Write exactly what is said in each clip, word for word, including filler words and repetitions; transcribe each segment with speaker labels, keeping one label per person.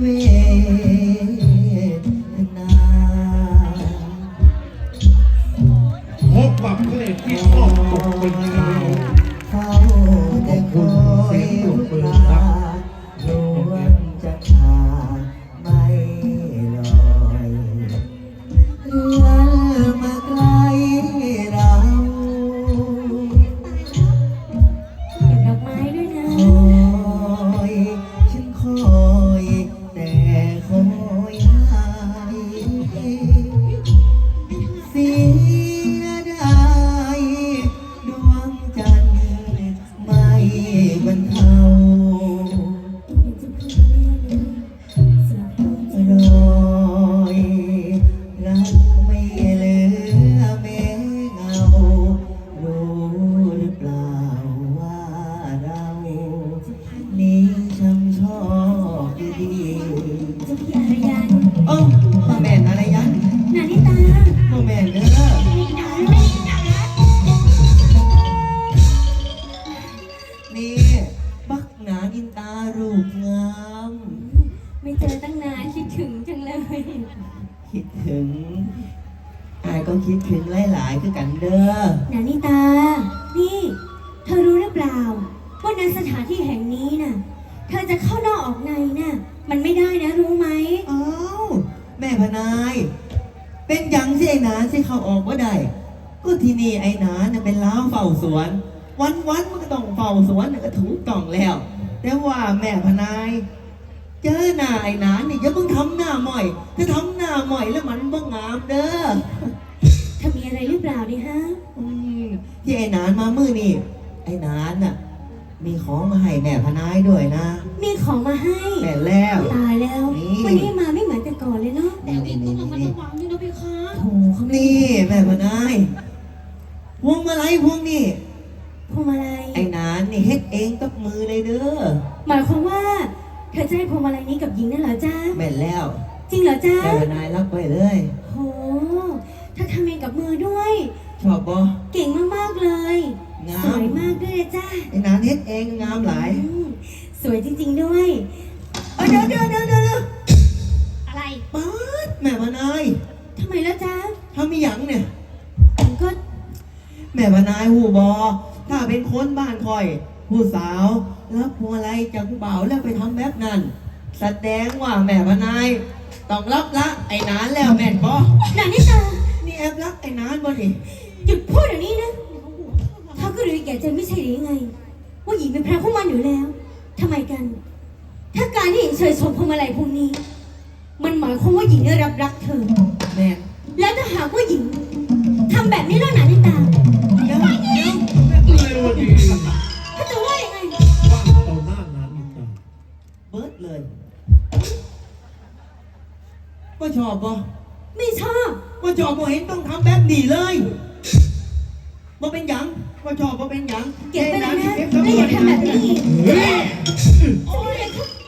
Speaker 1: วทนา
Speaker 2: พบกับเพลงที่ชอบตกเป็นข่าว
Speaker 1: เฝ้าแต่คอยลูกตาดวงจะขาดไม่ลอยเลื่อนมาไกลเรา
Speaker 3: เก็บดอกไม้ด้วยนะ
Speaker 1: คอยฉันคอยแต่คอยหายเสียดายดวงจันทร์ไม่บรรเทารอยรักไม่เหลือแม้เงารู้หรือเปล่าว่าเรานี้ช่างชอบดี
Speaker 3: เจ้าพี่อารยัน
Speaker 1: ๆโอ้มาแม่นอะไรยัน
Speaker 3: นานิตา
Speaker 1: มาแม่นเด้อนี่บักหนาอินตารูปงาม
Speaker 3: ไม่เจอตั้งนานคิดถึงจังเลย
Speaker 1: คิดถึงอายก็คิดถึงหลายๆคือกันเด้อ
Speaker 3: นานิตา นี่ เธอรู้หรือเปล่าว่าในสถานที่แห่งนี้น่ะ เธอจะเข้านอกออกในน่ะ มันไม่ได้นะรู้ไหม
Speaker 1: อ้าวแม่พนาย เป็นหยังสิไอ้หนานสิเขาออกว่าได้ก็ที่นี่ไอ้หนานน่ะเป็นล้าวเฝ้าสวน วันวันๆมันก็ต้องเฝ้าสวนน่ะก็ถูกต้องแล้ว แต่ว่าแม่พนาย เจอหน้าไอ้หนานนี่อย่าเพิ่งทำหน้าหม่อย ถ้าทำหน้าหม่อยแล้วมันบ่งามเด้อ
Speaker 3: เธอมีอะไรหรือเปล่าดิฮะ
Speaker 1: อืมที่ไอ้หนานมามื้อนี่ไอ้หนานน่ะ มีของมาให้แม่พนายด้วยนะ
Speaker 3: มีของมาให้
Speaker 1: แม่แล้ว
Speaker 3: ตายแล้ว
Speaker 1: นี่
Speaker 3: วันนี้มาไม่เหมือนแต่ก่อนเลยเนาะ
Speaker 1: นี่นี่นี่นี่
Speaker 3: โถเขาไม่
Speaker 1: นี่แม่พนายพวงมาลัยพวงนี่
Speaker 3: พวงมาลัย
Speaker 1: ไอ้หนานนี่เฮ็ดเองกับมือเลยเด้อ
Speaker 3: หมายความว่า เธอจะให้พวงมาลัยนี้กับหญิงนั่นเหรอจ้า
Speaker 1: แม่นแล้ว
Speaker 3: จริงเหรอจ้า
Speaker 1: แม่พนายรับไปเลย
Speaker 3: โหเธอทำเองกับมือด้วย
Speaker 1: ชอบบ่
Speaker 3: เก่งมากๆเลย
Speaker 1: งาม
Speaker 3: สวยมากด้วยเลยจ้า
Speaker 1: ไอ้หนานเฮ็ดเองงามหลาย
Speaker 3: อืมสวยจริงๆด้วย
Speaker 1: เอ้ยเดี๋ยวเดี๋ยวเดี๋ยวเดี๋ยว
Speaker 3: อะไร
Speaker 1: ป๊าดแม่พนาย
Speaker 3: ทำไมแล้วจ้า
Speaker 1: ทำมีหยังเนี่ย
Speaker 3: ผมก็
Speaker 1: แม่พนายหูบอถ้าเป็นคนบ้านคอย ผู้สาวรับพวงมาลัยจากผู้บ่าวแล้วไปทำแบบนั้น แสดงว่าแม่พนายต้องรับละไอ้หนานแล้วแม่นบอ
Speaker 3: หนานิตา
Speaker 1: นี่แอบรักไอ้หนานบ่นี่
Speaker 3: หยุดพูดเดี๋ยวนี้นะเธอก็รู้แก่ใจไม่ใช่หรือยังไง ว่าหญิงเป็นพระผู้มันอยู่แล้วทำไมกัน ถ้าการที่หญิงเฉยชมพวงมาลัยพวงนี้ มันหมายความว่าหญิงได้รับรักเธอ
Speaker 1: แม่
Speaker 3: แล้วถ้าหากว่าหญิงทำแบบนี้แล้วหนานิตา
Speaker 1: เดี๋ยวเดี๋ยว
Speaker 2: เร็วดี
Speaker 3: ถ้าจะว่ายังไง
Speaker 2: ว่าต่อหน้านั้นอีกต่อ
Speaker 1: เบิร์ดเลยก็ชอบบ่
Speaker 3: ไม่ชอบ
Speaker 1: ก็ชอบบ่เห็นต้องทำแบบนี้เลยบ่เป็นหยังก็ชอบบ่เป็นหยัง
Speaker 3: เก็บไปเลยนะ
Speaker 1: เก็บ
Speaker 3: แล้วอย่าทำแบบนี้อีก
Speaker 2: เฮ้ย
Speaker 1: โอ้ย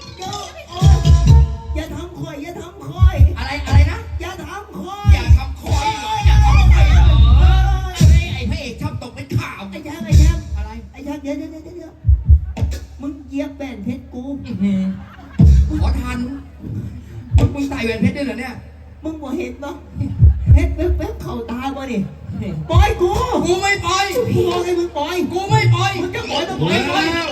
Speaker 1: อย่าทำคอยอย่าทำคอย
Speaker 4: อะไรอะไรนะ
Speaker 1: อย่าทำคอย
Speaker 4: อย่าทำคอยเหรออย่าทำคอยเหรอไอ้ไอ้พระเอกชอบตกเป็นข่าว
Speaker 1: ไอ้แชมป์ไอ้แชมป์
Speaker 4: อะไร
Speaker 1: ไอ้แชมป์เดี๋ยวเดี๋ยวเดี๋ยวเดี๋ยวมึงเหยียบแป้นเพชรกู
Speaker 4: ขอทันมึงมึงใส่แหวนเพชรด้วยเหรอเนี่ย
Speaker 1: มึงบ่เห็นปะเพชรแป๊บๆเข้าตาบ่นี่ปล่อยกู
Speaker 4: กูไม่ปล่อย
Speaker 1: กูบอกให้มึงปล่อย
Speaker 4: กูไม่ปล่อย
Speaker 1: มึงจะปล่อยต้องป
Speaker 2: แล
Speaker 1: ล่อยปล่อย้
Speaker 2: ว